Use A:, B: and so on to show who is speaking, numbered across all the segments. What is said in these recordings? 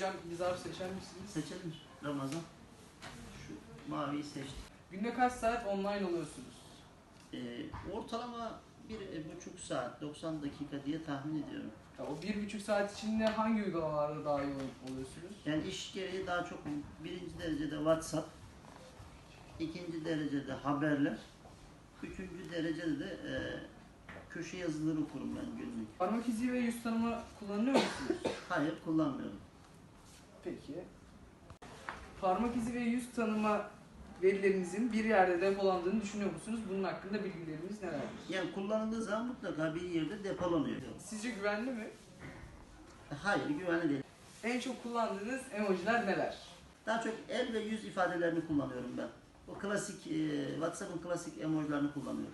A: Hocam bir zarf seçer misiniz?
B: Seçelim Ramazan. Şu maviyi seçtim.
A: Günde kaç saat online oluyorsunuz?
B: Ortalama 1,5 saat, 90 dakika diye tahmin ediyorum.
A: Ya, o 1,5 saat içinde hangi uygulamalarda dahil oluyorsunuz?
B: Yani iş gereği daha çok birinci derecede WhatsApp, ikinci derecede haberler, üçüncü derecede de köşe yazıları okurum ben günlük.
A: Parmak izi ve yüz tanıma kullanıyor musunuz?
B: Hayır, kullanmıyorum.
A: Peki. Parmak izi ve yüz tanıma verilerinizin bir yerde depolandığını düşünüyor musunuz? Bunun hakkında bilgileriniz nelerdir?
B: Yani kullanıldığı zaman mutlaka bir yerde depolanıyor.
A: Sizce güvenli mi?
B: Hayır, güvenli değil.
A: En çok kullandığınız emojiler neler?
B: Daha çok el ve yüz ifadelerini kullanıyorum ben. O klasik, WhatsApp'ın klasik emojilerini kullanıyorum.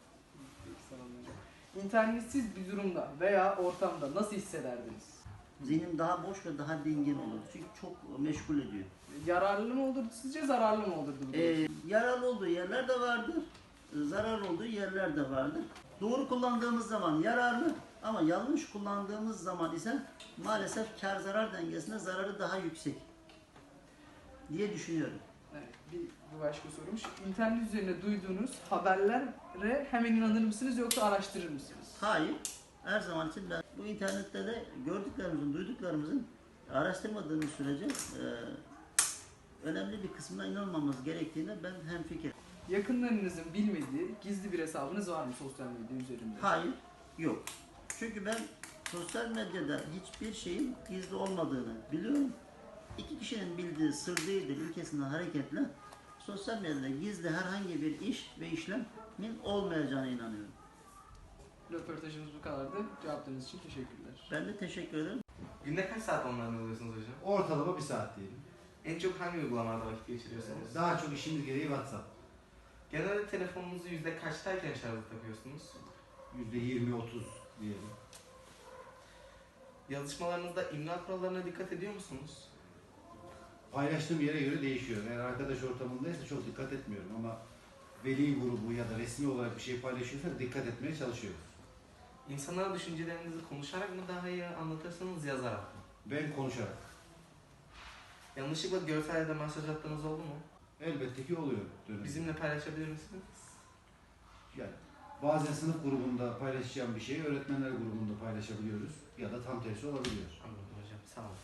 A: İnternetsiz bir durumda veya ortamda nasıl hissederdiniz?
B: Zihnim daha boş ve daha dingin olur. Çünkü çok meşgul ediyor.
A: Yararlı mı olurdu sizce, zararlı mı olurdu?
B: Yararlı olduğu yerler de vardır, zararlı olduğu yerler de vardır. Doğru kullandığımız zaman yararlı ama yanlış kullandığımız zaman ise maalesef kar zarar dengesinde zararı daha yüksek diye düşünüyorum.
A: Evet, bir başka sorumuş. İnternet üzerine duyduğunuz haberlere hemen inanır mısınız yoksa araştırır mısınız?
B: Hayır, her zaman için ben bu internette de gördüklerimizin, duyduklarımızın araştırmadığımız sürece önemli bir kısmına inanmamız gerektiğine ben hemfikirim.
A: Yakınlarınızın bilmediği gizli bir hesabınız var mı sosyal medya üzerinde?
B: Hayır, yok. Çünkü ben sosyal medyada hiçbir şeyin gizli olmadığını biliyorum. İki kişinin bildiği sır değildir ilkesinden hareketle sosyal medyada gizli herhangi bir iş ve işlemin olmayacağına inanıyorum.
A: Röportajımız bu kadardı. Cevaplarınız için teşekkürler.
B: Ben de teşekkür ederim.
C: Günde kaç saat online oluyorsunuz hocam?
D: Ortalama 1 saat diyelim.
C: En çok hangi uygulamalarda vakit geçiriyorsunuz?
D: Daha çok işimiz gereği WhatsApp.
C: Genelde telefonunuzu yüzde kaçtayken şarja takıyorsunuz?
D: %20-30 diyelim.
C: Yazışmalarınızda imla kurallarına dikkat ediyor musunuz?
D: Paylaştığım yere göre değişiyor. Eğer arkadaş ortamındaysa çok dikkat etmiyorum ama veli grubu ya da resmi olarak bir şey paylaşıyorsa dikkat etmeye çalışıyoruz.
C: İnsanlara düşüncelerinizi konuşarak mı daha iyi anlatırsınız, yazarak mı?
D: Ben konuşarak.
C: Yanlışlıkla görsel ya da mesaj attığınız oldu mu?
D: Elbette ki oluyor.
C: Bizimle paylaşabilir misiniz?
D: Yani bazen sınıf grubunda paylaşacağım bir şeyi öğretmenler grubunda paylaşabiliyoruz ya da tam tersi olabiliyor.
C: Anladım hocam, sağ olun.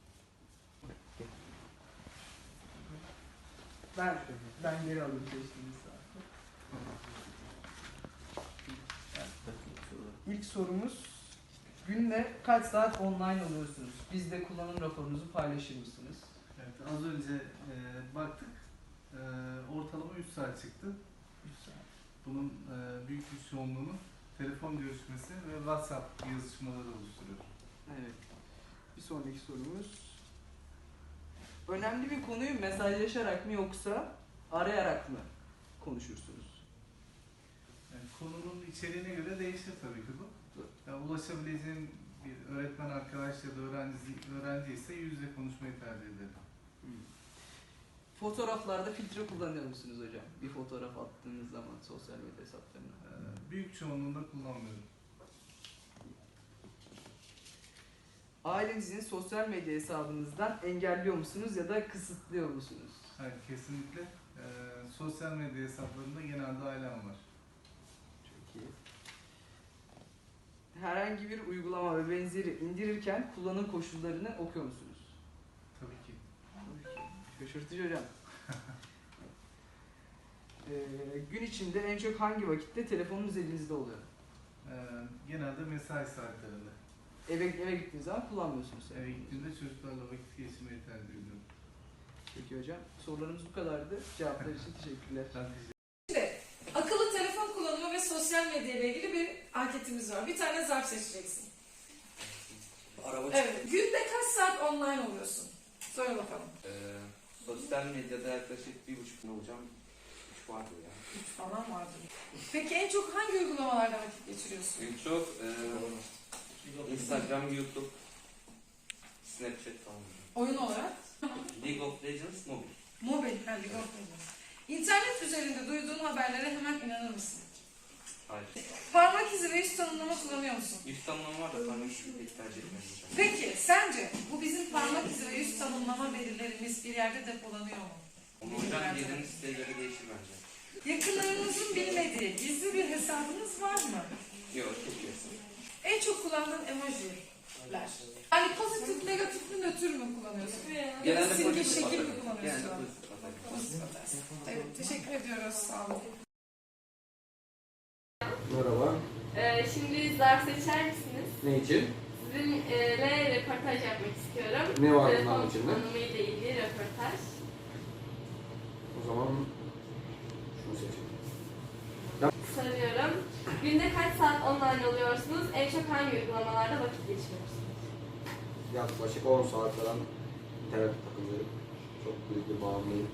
A: Ben geri alayım seçtiğiniz saati. İlk sorumuz, günde kaç saat online oluyorsunuz? Bizde kullanım raporunuzu paylaşır mısınız?
E: Evet, az önce baktık. Ortalama 3 saat çıktı.
A: 3 saat.
E: Bunun büyük bir çoğunluğunu telefon görüşmesi ve WhatsApp yazışmaları oluşturuyor.
A: Evet. Bir sonraki sorumuz. Önemli bir konuyu mesajlaşarak mı yoksa arayarak mı konuşursunuz?
E: Yani konunun içeriğine göre değişir tabii ki bu. Yani ulaşabileceğim bir öğretmen arkadaş ya da öğrenci ise yüz yüze konuşmayı tercih ederim.
A: Fotoğraflarda filtre kullanıyor musunuz hocam? Bir fotoğraf attığınız zaman sosyal medya hesaplarına.
E: Büyük çoğunluğunda kullanmıyorum.
A: Ailenizin sosyal medya hesabınızdan engelliyor musunuz ya da kısıtlıyor musunuz?
E: Hayır, kesinlikle. Sosyal medya hesaplarında genelde ailem var.
A: Çok iyi. Herhangi bir uygulama ve benzeri indirirken kullanım koşullarını okuyor musunuz?
E: Tabii ki.
A: Şaşırtıcı hocam. Gün içinde en çok hangi vakitte telefonunuz elinizde oluyor?
E: Genelde mesai saatlerinde.
A: Eve gittiğiniz zaman kullanmıyorsunuz.
E: Eve gittiğimde çocuklarla vakit geçirmeyi tercih ediyorum.
A: Peki hocam. Sorularımız bu kadardı. Cevaplar için teşekkürler.
E: Ben teşekkür
F: Şimdi akıllı telefon kullanımı ve sosyal medya ile ilgili bir anketimiz var. Bir tane zarf seçeceksin. Evet. Günde kaç saat online oluyorsun? Söyle bakalım.
G: Sosyal medyada yaklaşık 1,5 gün olacağım. 3 vardır ya.
F: 3 falan vardır. Peki en çok hangi uygulamalarda vakit geçiriyorsun?
G: En çok Instagram, YouTube, Snapchat falan.
F: Oyun olarak?
G: League of Legends mobil.
F: Mobil. League of Legends. İnternet üzerinde duyduğun haberlere hemen inanır mısın?
G: Hayır.
F: Parmak izi ve yüz tanımlama kullanıyor musun?
G: Yüz tanımlama var da parmak izi pek tercih etmiyorum hocam.
F: Peki sence bu bizim parmak izi ve yüz tanımlama verilerimiz bir yerde depolanıyor mu?
G: Onu hocam girdiğiniz siteye göre değişir bence.
F: Yakınlarınızın bilmediği gizli bir hesabınız var mı?
G: Yok, çok iyi.
F: En çok kullandığın emojiler. Yani pozitif, negatif mi, nötr mü kullanıyorsun? Ya da simge
G: pozitif
F: şekil mi
G: atarım.
F: kullanıyorsun?
G: Genelde pozitif atarım.
F: Pozitif atarsın. Evet, teşekkür ediyoruz. Sağ olun.
H: Merhaba.
I: Şimdi zarf seçer misiniz?
H: Ne için?
I: Sizinle röportaj yapmak istiyorum.
H: Ne var
I: Telefon
H: bunun içinde?
I: kullanımıyla ilgili röportaj.
H: O zaman şunu seçelim.
I: Soruyorum. Günde kaç saat online oluyorsunuz? En çok hangi uygulamalarda vakit geçiriyorsunuz?
H: Yaklaşık 10 saat falan internet takılıyorum. Çok büyük bir bağımlıyım.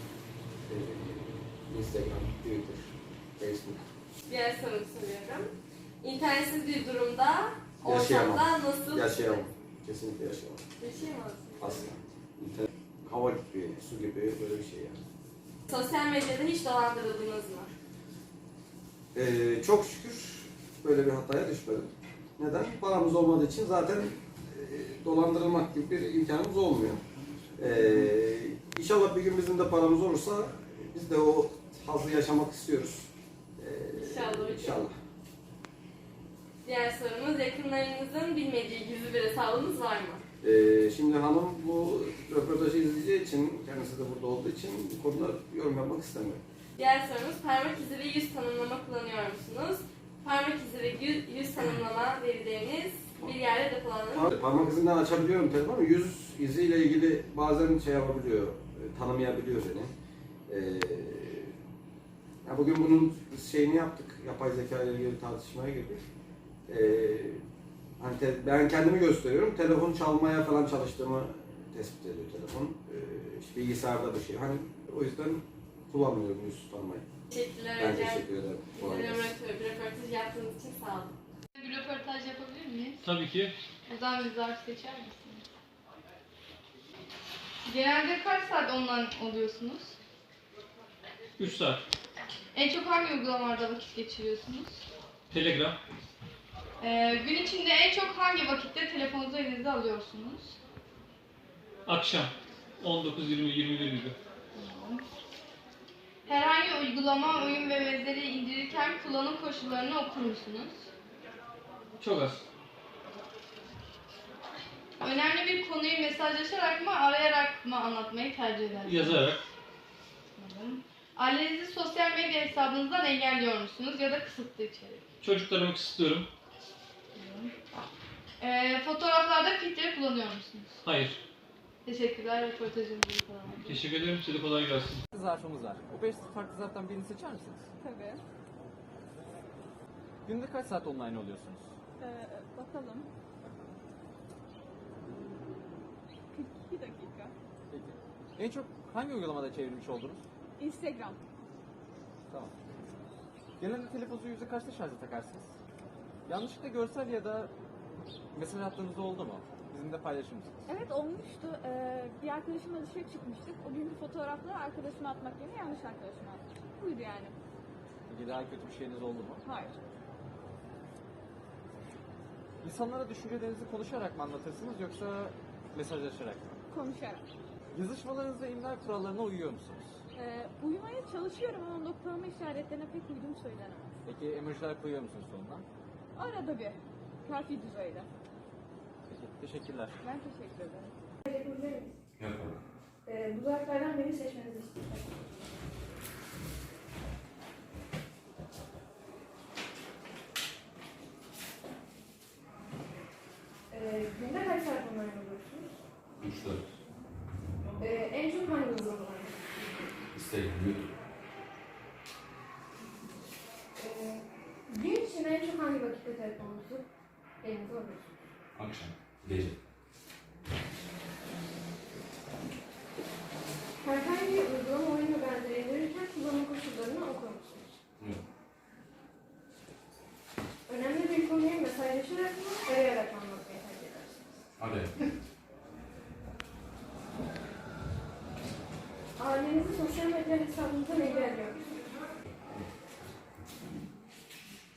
H: Instagram, Twitter, Facebook.
I: Diğer sorumu soruyorum. İnternetsiz bir durumda,
H: Yaşayamam.
I: ortamda nasıl...
H: Yaşayamam. Kesinlikle yaşayamam.
I: Yaşayamazsınız.
H: Asla. İnternet, hava gibi, su gibi böyle bir şey yani.
I: Sosyal medyada hiç dolandırıldınız mı?
H: Çok şükür böyle bir hataya düşmedim. Neden? Paramız olmadığı için zaten dolandırılmak gibi bir imkanımız olmuyor. İnşallah bir gün bizim de paramız olursa biz de o hazzı yaşamak istiyoruz.
I: İnşallah.
H: İnşallah.
I: Diğer sorumuz, yakınlarınızın bilmediği gizli bir hesabınız var mı?
H: Şimdi hanım bu röportajı izleyeceği için, kendisi de burada olduğu için bu konuda yorum yapmak istemiyor.
I: Diğer sorumuz, parmak izi ve yüz tanımlama kullanıyor musunuz? Parmak izi ve yüz tanımlama verileriniz bir yerde depolanır.
H: Parmak izinden açabiliyorum telefonu. Yüz iziyle ilgili bazen şey yapabiliyor, tanımayabiliyor beni. Ya bugün bunun şeyini yaptık, yapay zeka ile ilgili tartışmaya girdik. Hani ben kendimi gösteriyorum, telefon çalmaya falan çalıştığımı tespit ediyor telefon. İşte bilgisayarda bir şey. Hani o yüzden kullanmıyorum yüz tanımayı.
I: Teşekkürler
H: Ben
I: hocam.
H: teşekkür ederim. Kolay gelsin.
I: Bir röportaj yaptığınız için sağ olun. Bir röportaj yapabilir miyiz?
J: Tabii ki.
I: Buradan bir zarf seçer misiniz?
K: Genelde kaç saat online oluyorsunuz?
J: 3 saat.
K: En çok hangi uygulamalarda vakit geçiriyorsunuz?
J: Telegram.
K: Gün içinde en çok hangi vakitte telefonunuzu elinize alıyorsunuz?
J: Akşam. 19, 20, 21 gibi.
K: Herhangi uygulama, oyun ve benzeri indirirken kullanım koşullarını okur musunuz?
J: Çok az.
K: Önemli bir konuyu mesajlaşarak mı, arayarak mı anlatmayı tercih edersiniz?
J: Yazarak.
K: Ailenizi sosyal medya hesabınızdan engelliyor musunuz ya da kısıtlı içerik?
J: Çocuklarımı kısıtlıyorum.
K: Fotoğraflarda filtre kullanıyor musunuz?
J: Hayır.
K: Teşekkürler röportajınız için falan.
J: Teşekkür ederim. Size kolay gelsin.
L: Zarfımız var. O 5 farklı zarftan birini seçer misiniz?
M: Tabii.
L: Günde kaç saat online oluyorsunuz?
M: Bakalım. 42 dakika.
L: Peki. En çok hangi uygulamada çevirmiş oldunuz?
M: Instagram.
L: Tamam. Genelde telefonunuzu yüzde kaçta şarja takarsınız? Yanlışlıkla görsel ya da mesaj attığınızda oldu mu? Bizimle paylaşır mısınız?
M: Evet olmuştu. Bir arkadaşımla dışarı çıkmıştık. O günkü fotoğrafları arkadaşıma atmak yerine yanlış arkadaşıma atmıştım. Buydu yani.
L: Peki daha kötü bir şeyiniz oldu mu?
M: Hayır.
L: İnsanlara düşüncelerinizi konuşarak mı anlatırsınız yoksa mesajlaşarak mı?
M: Konuşarak.
L: Yazışmalarınızda imla kurallarına uyuyor musunuz?
M: Uyumaya çalışıyorum ama noktalama işaretlerine pek uyduğum söylenemez.
L: Peki emojiler koyuyor musunuz sonuna?
M: Arada bir. Kafi düzeyde.
L: Peki, teşekkürler.
M: Ben teşekkür ederim.
G: Yok.
M: Bu zarflardan birini seçmenizi istiyorum. Günde kaç saat online oluyorsunuz?
G: 3-4.
M: En çok hangi uygulama?
G: Instagram, YouTube.
M: Gün içinde en çok hangi vakitte telefonunuzu elinize alıyorsunuz?
G: Akşam. Gece.
M: Herhangi bir uygulama, oyun ve benzeri indirirken kullanım koşullarını okur musunuz?
G: Yok.
M: Önemli bir konuyu mesajlaşarak mı, arayarak mı anlatmayı tercih edersiniz?
G: Hadi.
M: Ailenizi sosyal medya hesabınızdan engelliyor musunuz?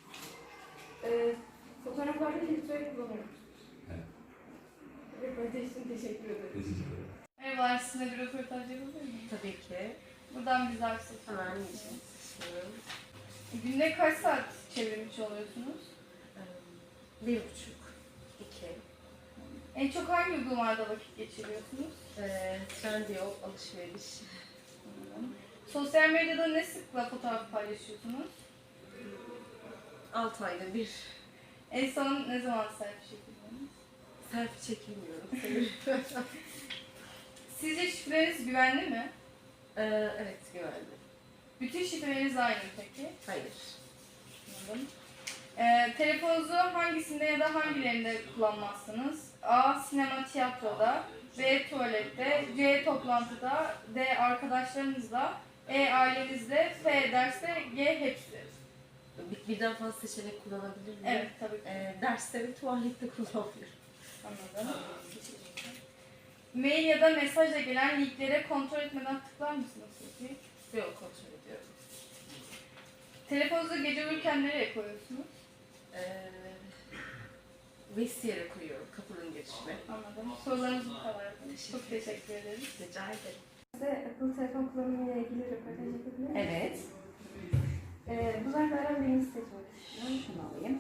F: sizinle bir röportaj yapabilir miyim?
N: Tabii ki.
F: Buradan bize akset.
N: Hemen geçelim.
F: Günde kaç saat çevirmiş oluyorsunuz?
N: 1,5, 2.
F: En çok hangi uygulamalarda vakit geçiriyorsunuz?
N: Trendyol, alışveriş.
F: Sosyal medyada ne sıkla fotoğraf paylaşıyorsunuz?
N: 6 ayda bir.
F: En son ne zaman selfie çekildiniz?
N: Selfie çekilmiyorum.
F: Sizce şifreniz güvenli mi?
N: Evet, güvenli.
F: Bütün şifreleriniz aynı mı peki?
N: Hayır.
F: Anladım. Telefonunuzu hangisinde ya da hangilerinde kullanmazsınız? A. Sinema, tiyatroda. B. Tuvalette. C. Toplantıda. D. Arkadaşlarınızla. E. Ailenizle. F. Derste. G. Hepsi.
N: Birden fazla seçenek kullanabilir miyim?
F: Evet, tabii ki.
N: Derste ve tuvalette kullanabilirim.
F: Anladım. Mail ya da mesajla gelen linklere kontrol etmeden tıklar mısınız peki?
N: Yok, kontrol ediyorum.
F: Telefonunuzu gece uyurken nereye koyuyorsunuz?
N: Vestiyere koyuyorum, kapının girişine.
F: Anladım. Sorularımız bu kadar. Çok teşekkür ederiz.
N: Rica ederim.
I: Size akıllı telefon kullanımıyla ilgili röportaj yapabilir miyim?
O: Evet.
I: Bu zarflardan birini seçmek istiyorum.
O: Şunu alayım.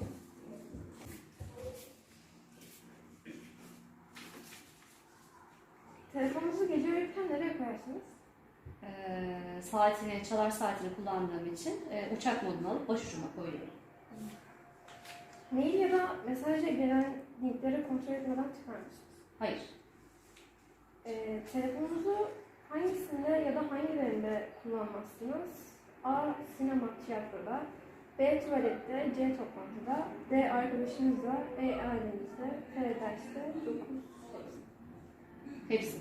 I: Telefonunuzu gece uyurken nereye koyarsınız?
O: Saatini, çalar saatini kullandığım için uçak modunu alıp başucuma koyuyorum.
I: Mail ya da mesajla gelen linkleri kontrol etmeden çıkar mısınız?
O: Hayır.
I: Telefonunuzu hangisinde ya da hangilerinde kullanmazsınız? A. Sinema, tiyatroda. B. Tuvalette. C. Toplantıda. D. Arkadaşınızla. E. Ailenizle. F. Derste. 9.
O: Hepsi.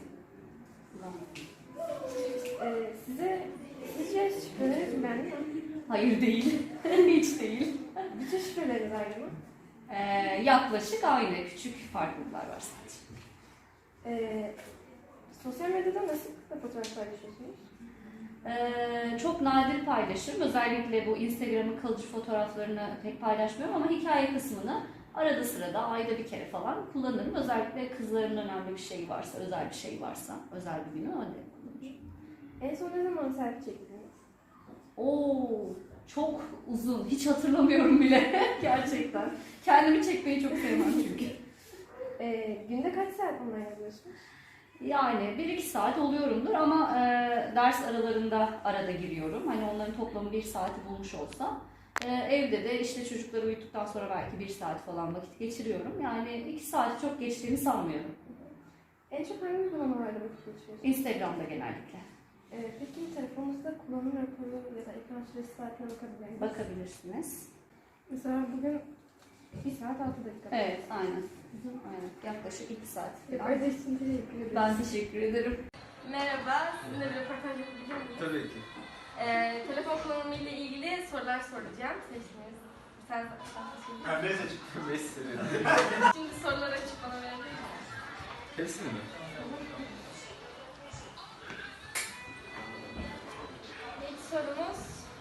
I: Sizce şifreleriniz güvenli mi?
O: Hayır değil. Hiç değil.
I: Bütün şifreleriniz aynı mı?
O: Yaklaşık aynı. Küçük farklılıklar var sadece.
I: Sosyal medyada nasıl fotoğraf paylaşıyorsunuz?
O: Çok nadir paylaşırım. Özellikle bu Instagram'ın kalıcı fotoğraflarını pek paylaşmıyorum ama hikaye kısmını arada sırada ayda bir kere falan kullanırım. Özellikle kızların önemli bir şeyi varsa, özel bir şey varsa, özel bir günü öyle kullanırım.
I: En son ne zaman selfie çektiniz?
O: Çok uzun. Hiç hatırlamıyorum bile gerçekten. Kendimi çekmeyi çok sevmem çünkü.
I: Günde kaç saat online yazıyorsunuz?
O: Yani 1-2 saat oluyorumdur ama ders aralarında arada giriyorum. Hani onların toplamı 1 saati bulmuş olsa. Evde de işte çocukları uyuttuktan sonra belki 1 saat falan vakit geçiriyorum. Yani 2 saati çok geçtiğini sanmıyorum.
I: En çok hangi uygulamalarda vakit geçiriyorsunuz?
O: Instagram'da genellikle.
I: Peki telefonunuzda kullanım raporu ya da ekran süresi saatine bakabilir misiniz?
O: Bakabilirsiniz.
I: Mesela bugün 1 saat 6 dakika.
O: Evet, aynen. Aynen. Yaklaşık 2 saat falan.
I: Öyle için teşekkür ederim.
O: Ben teşekkür ederim.
I: Merhaba, sizinle bir röportaj yapabilir miyim?
L: Tabii ki.
I: Telefon kullanımı ile ilgili sorular soracağım. Seçtiniz. Sen
L: Ben ne seçtim? 5 sene.
I: Şimdi soruları açıp bana verebilir misin?
L: Hepsini mi?
I: İlk sorumuz.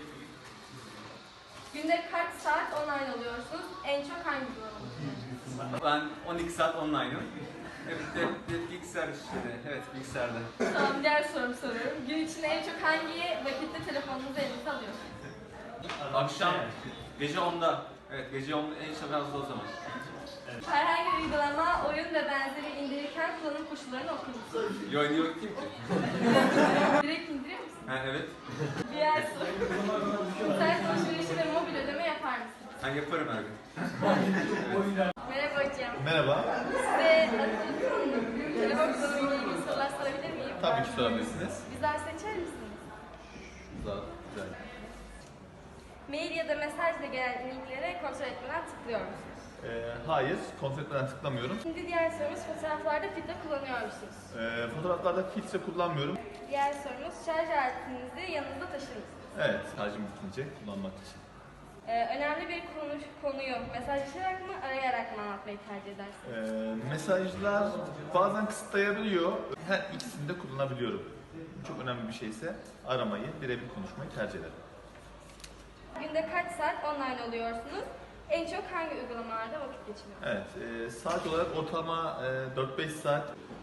I: Günde kaç saat online oluyorsunuz? En çok hangi kullanımı?
L: Ben 12 saat online'ım. Evet, bilgisayar işleri. Evet, bilgisayarda.
I: Tamam, diğer sorumu soruyorum. Gün içinde en çok hangi vakitte telefonunuzu elinize alıyorsunuz?
L: Akşam, gece 10'da. Evet, gece 10'da en çok az o zaman.
I: Herhangi bir uygulama, oyun ve benzeri indirirken kullanım koşullarını okur musunuz?
L: Yo, yok kim ki?
I: Direkt indirir misiniz?
L: Ha, evet.
I: Diğer soru. İnternet alışverişi ve mobil ödeme yapar mısınız?
L: Ben yaparım her gün.
I: Merhaba hocam.
P: Merhaba.
I: Size telefon kullanımıyla ilgili sorular sorabilir miyim?
P: Tabii ki sorabilirsiniz.
I: Bizler seçer misiniz?
P: Güzel.
I: Mail ya da mesajla gelen linklere kontrol etmeden tıklıyor musunuz?
P: Hayır, kontrol etmeden tıklamıyorum.
I: Şimdi diğer sorumuz, fotoğraflarda filtre kullanıyor musunuz?
P: Fotoğraflarda filtre kullanmıyorum.
I: Diğer sorumuz, şarj aletinizi yanınızda taşır mısınız?
P: Evet, şarjım bitince kullanmak için.
I: Önemli bir konuyu mesajlaşarak mı, arayarak mı anlatmayı tercih edersiniz?
P: Mesajlar bazen kısıtlayabiliyor. Her ikisini de kullanabiliyorum. Çok önemli bir şeyse aramayı, birebir konuşmayı tercih ederim.
I: Günde kaç saat online oluyorsunuz? En çok hangi uygulamalarda vakit geçiriyorsunuz?
P: Evet, saat olarak ortalama 4-5 saat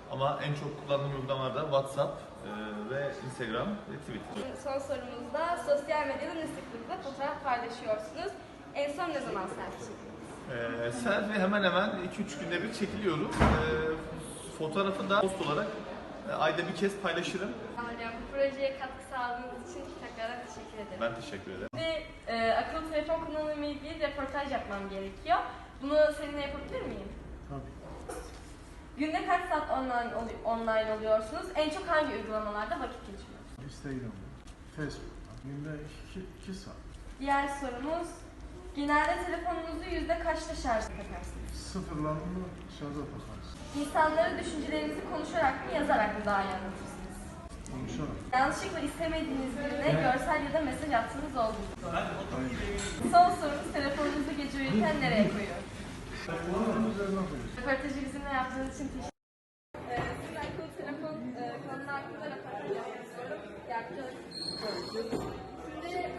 P: Ama en çok kullandığım uygulamalar da WhatsApp ve Instagram ve Twitter.
K: Son sorumuzda sosyal medyada ne sıklıkla fotoğraf paylaşıyorsunuz? En son ne zaman selfie çektiniz?
P: Selfie hemen hemen 2-3 günde bir çekiliyorum. Fotoğrafı da post olarak ayda bir kez paylaşırım.
K: Hocam bu projeye katkı sağladığınız için tekrardan teşekkür ederim.
P: Ben teşekkür ederim.
K: Ve akıllı telefon kullanımı ile ilgili röportaj yapmam gerekiyor. Bunu seninle yapabilir miyim?
E: Tabii.
K: Günde kaç saat online oluyorsunuz? En çok hangi uygulamalarda vakit geçiriyorsunuz?
E: Instagram'da, Facebook'ta. Günde 2 saat.
K: Diğer sorumuz, genelde telefonunuzu kaçta şarj takarsınız?
E: Sıfırlarını şarja takarsın.
K: İnsanlara düşüncelerinizi konuşarak mı, yazarak mı daha iyi anlatırsınız?
E: Konuşarak.
K: Yanlışlıkla istemediğiniz birine görsel ya da mesaj attığınız oldu mu?
E: Hayır.
K: Son sorumuz, telefonunuzu gece uyurken nereye koyuyorsunuz?
E: Telefonun üzerine koyuyorsun.
K: Röportajı bizimle yaptığınız için teşekkür ederim. Siz akıllı telefon konusu hakkında röportaj yapmak istiyorum. Yapacağız. Şimdi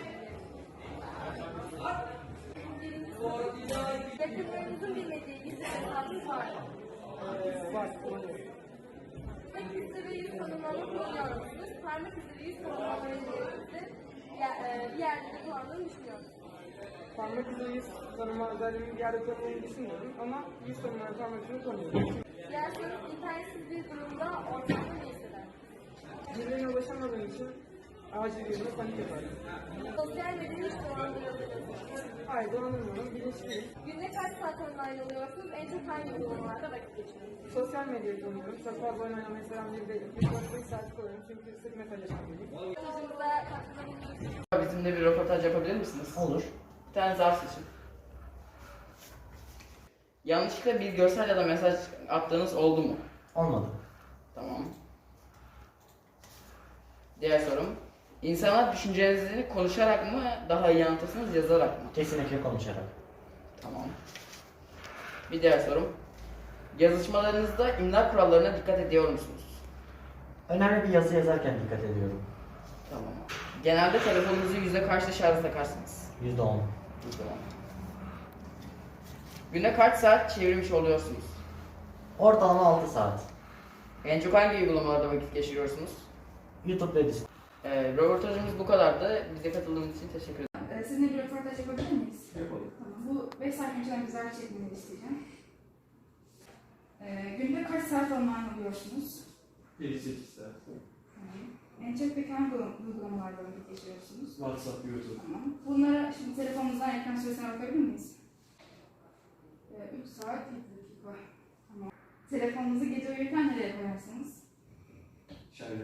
K: yakınlarınızın bilmediği gizli hesabınız var mı?
A: Var.
K: Tek izi ve yüz tanımlama kullanıyor musunuz? Parmak izi ve yüz tanımlama özelliğinizi bir yerde de kullandığını düşünüyor musunuz?
A: Parmak izi yüz tanıma özelliğini bir yerde kullandığını düşünmüyorum ama yüz tanıma parmak izini tanıyorum.
K: Diğer soru, internetsiz bir durumda ortamda ne hisseder?
A: Birilerine ulaşamadığım için acil yerine panik yaparım.
K: Sosyal medyayı hiç kullandırıyorsunuz.
A: Hayır, kullanmıyorum. Bilinçliyim.
K: Günde kaç saat online oluyorsunuz? En çok hangi uygulamalarda vakit geçiriyorsunuz?
A: Sosyal medyayı kullanıyorum. Çok fazla oynayan mesela bir değil. 3-4 saat kullanıyorum çünkü sık mesajlaşan biriyim.
K: Röportajımıza katkıda bulunuyorsunuz.
A: Bizimle bir röportaj yapabilir misiniz?
B: Olur.
A: Bir tane zarf seçin. Yanlışlıkla bir görsel ya da mesaj attığınız oldu mu?
B: Olmadı.
A: Tamam. Diğer sorum. İnsanlar düşüncelerinizi konuşarak mı daha iyi anlatırsınız, yazarak mı?
B: Kesinlikle konuşarak.
A: Tamam. Bir diğer sorum. Yazışmalarınızda imla kurallarına dikkat ediyor musunuz?
B: Önemli bir yazı yazarken dikkat ediyorum.
A: Tamam. Genelde telefonunuzu kaçta şarja takarsınız?
B: %10.
A: %10. Günde kaç saat çevirmiş oluyorsunuz?
B: Ortalama 6 saat.
A: En çok hangi uygulamalarda vakit geçiriyorsunuz?
B: YouTube ve Discord.
A: Röportajımız bu kadardı. Bize katıldığınız için teşekkür ederim.
F: Sizinle bir röportaj yapabilir miyiz?
A: Yapalım.
F: Tamam. Bu 5 saat önceden güzel çekmeni isteyeceğim. Günde kaç saat online oluyorsunuz?
J: 7-8 saat.
F: Tamam. En çok peki hangi uygulamalarda vakit geçiriyorsunuz?
J: WhatsApp, YouTube.
F: Tamam. Bunlara şimdi telefonunuzdan ekran süresine bakabilir miyiz? 3 saat 7 dakika. Tamam. Telefonunuzu gece uyurken nereye koyarsınız?
J: Şöyle.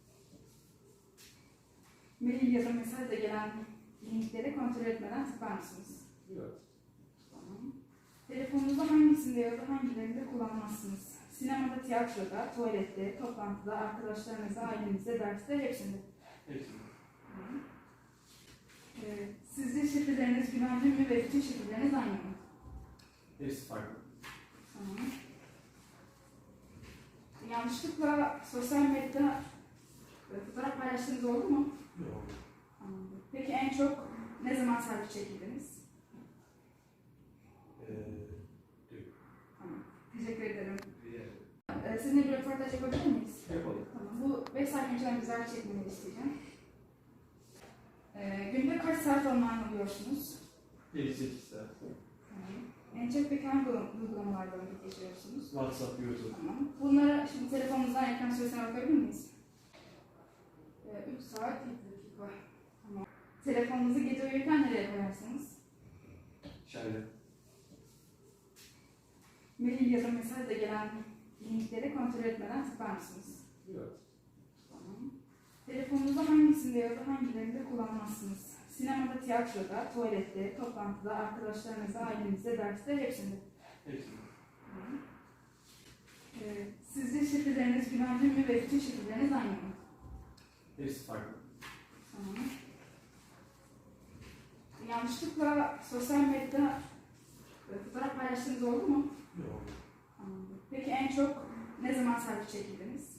F: Mail ya da mesajla gelen linkleri kontrol etmeden tıklar mısınız?
J: Evet.
F: Tamam. Telefonunuzda hangisinde ya da hangilerinde kullanmazsınız? Sinemada, tiyatroda, tuvalette, toplantıda, arkadaşlarınızla, ailenizle, derste, hepsinde.
J: Hepsini.
F: Tamam. Sizce şifreleriniz güvenli mi ve bütün şifreleriniz aynı mı?
J: Hepsi farklı.
F: Tamam. Yanlışlıkla sosyal medyada fotoğraf paylaştığınız oldu mu?
J: Yok.
F: Anladım. Peki en çok ne zaman selfie çekildiniz? Tamam. Teşekkür ederim. Sizinle bir röportaj yapabilir miyiz?
J: Yapalım.
F: Tamam. Bu 5 saat önceden güzel çekmeni isteyeceğim. Günde kaç saat online oluyorsunuz?
J: 7-8 saat.
F: Tamam. En çok peki hangi uygulamalarda vakit geçiriyorsunuz?
J: WhatsApp, YouTube.
F: Tamam. Bunlara şimdi telefonunuzdan ekran süresine bakabilir miyiz? 3 saat 7 dakika. Tamam. Telefonunuzu gece uyurken nereye koyarsınız?
J: Şöyle.
F: Mail ya da mesajla gelen linkleri kontrol etmeden tıklar mısınız?
J: Evet.
F: Tamam. Telefonunuzda hangisinde ya da hangilerinde kullanmazsınız? Sinemada, tiyatroda, tuvalette, toplantıda, arkadaşlarınızla, ailenizle, derste, hepsinde.
J: Hepsini.
F: Tamam. Sizce şifreleriniz güvenli mi ve bütün şifreleriniz aynı mı?
J: Hepsi farklı.
F: Tamam. Yanlışlıkla sosyal medyada fotoğraf paylaştığınız oldu mu?
J: Yok.
F: Anladım. Peki en çok ne zaman selfie çekildiniz?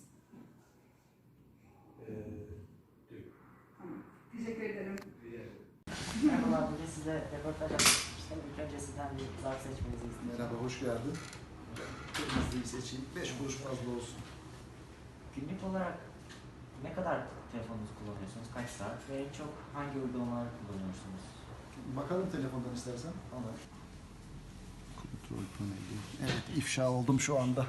F: Tamam. Teşekkür ederim.
B: Merhabalar, bugün size röportaj yapmak istedim. İlk önce sizden bir zarf seçmenizi istiyorum.
E: Merhaba, hoş geldin.
Q: temizliği seçeyim. 5 kuruş fazla olsun.
R: Günlük olarak ne kadar telefonunuzu kullanıyorsunuz? Kaç saat? Ve en çok hangi uygulamaları kullanıyorsunuz?
Q: Bakalım telefondan istersen.
R: Olur.
Q: Kontrol paneli. Evet, ifşa oldum şu anda.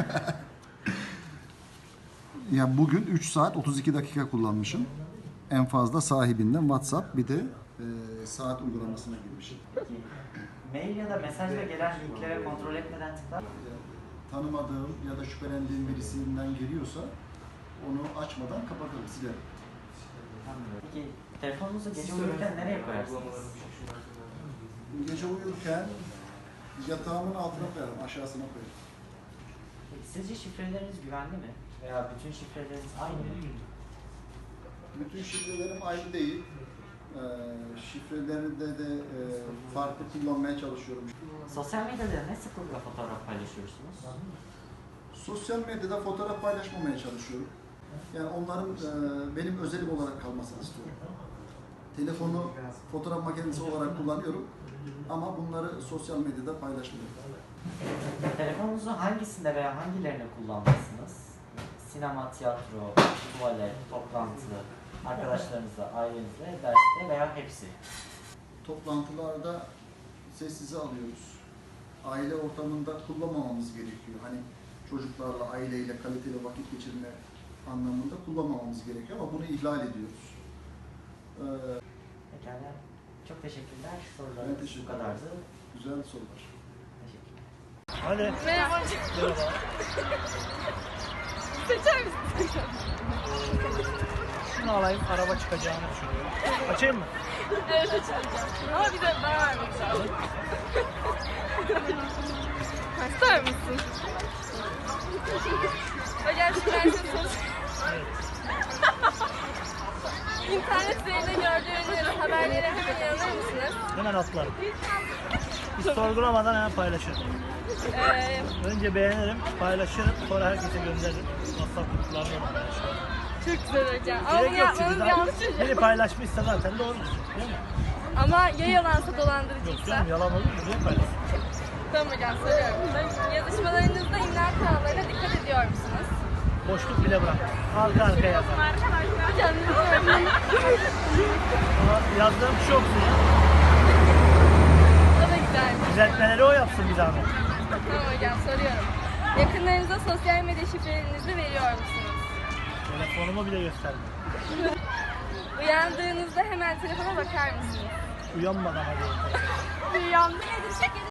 Q: Ya bugün 3 saat 32 dakika kullanmışım. En fazla sahibinden WhatsApp, bir de saat uygulamasına girmişim.
R: Peki, mail ya da mesajla gelen linklere kontrol etmeden tıklar.
Q: Tanımadığım ya da şüphelendiğim birisinden geliyorsa onu açmadan kapatırım, silerim.
R: Peki, telefonunuzu gece uyurken nereye koyarsınız?
Q: Gece uyurken yatağımın altına koyarım, aşağısına koyarım.
R: Peki, sizce şifreleriniz güvenli mi? Veya bütün şifreleriniz aynı mı?
Q: Bütün şifrelerim aynı değil. Şifreleri de farklı kullanmaya çalışıyorum.
R: Sosyal medyada ne sıklıkla fotoğraf paylaşıyorsunuz?
Q: Sosyal medyada fotoğraf paylaşmamaya çalışıyorum. Yani onların benim özelim olarak kalmasını istiyorum. Telefonu fotoğraf makinesi olarak kullanıyorum ama bunları sosyal medyada paylaşmıyorum.
R: Telefonunuzu hangisinde veya hangilerine kullanmalısınız? Sinema, tiyatro, tuvalet, toplantı, arkadaşlarınızla, ailenizle, derste veya hepsi?
Q: Toplantılarda sessize alıyoruz. Aile ortamında kullanmamamız gerekiyor. Hani çocuklarla, aileyle kaliteli vakit geçirme anlamında kullanmamamız gerekiyor ama bunu ihlal ediyoruz.
R: Pekala. Çok teşekkürler.
Q: Ben
R: Sorularınız
Q: teşekkür
R: bu kadardı.
Q: Güzel sorular.
R: Teşekkürler.
S: Hadi.
K: Merhaba. Seçer misin?
S: Şunu alayım, araba çıkacağını düşünüyorum. Açayım mı?
K: Evet açacağım. Ama bir de bana vermek lazım. İster misin? Hocam şimdi ben size soru... İnternet üzerinde gördüğünüz haberlere hemen inanır mısınız?
S: Hemen atlarım. Hiç sorgulamadan hemen paylaşırım. Önce beğenirim, paylaşırım, sonra herkese gönderirim. WhatsApp gruplarına paylaşırım.
K: Çok güzel hocam. Ama bunu
S: Gerek yok çünkü
K: yapmanız yanlış hocam.
S: biri paylaşmışsa zaten doğrudur. Değil mi?
K: Ama ya yalansa
S: Yok
K: dolandırıcıysa?
S: canım, yalan olur mu? Niye paylaşsın?
K: Tamam hocam soruyorum. Yazışmalarınızda imla kurallarına dikkat ediyor musunuz?
S: Boşluk bile bırak. Arka arkaya yazar.
K: Hocam lütfen.
S: Ama yazdığım çok güzel.
K: O da güzel.
S: Düzeltmeleri o yapsın bir zahmet.
K: Tamam hocam soruyorum. Yakınlarınıza sosyal medya şifrelerinizi veriyor musunuz?
S: Telefonumu bile gösterdim.
K: Uyandığınızda hemen telefona bakar mısınız?
S: Uyanmadan hadi.
K: Uyandı nedir şekerim?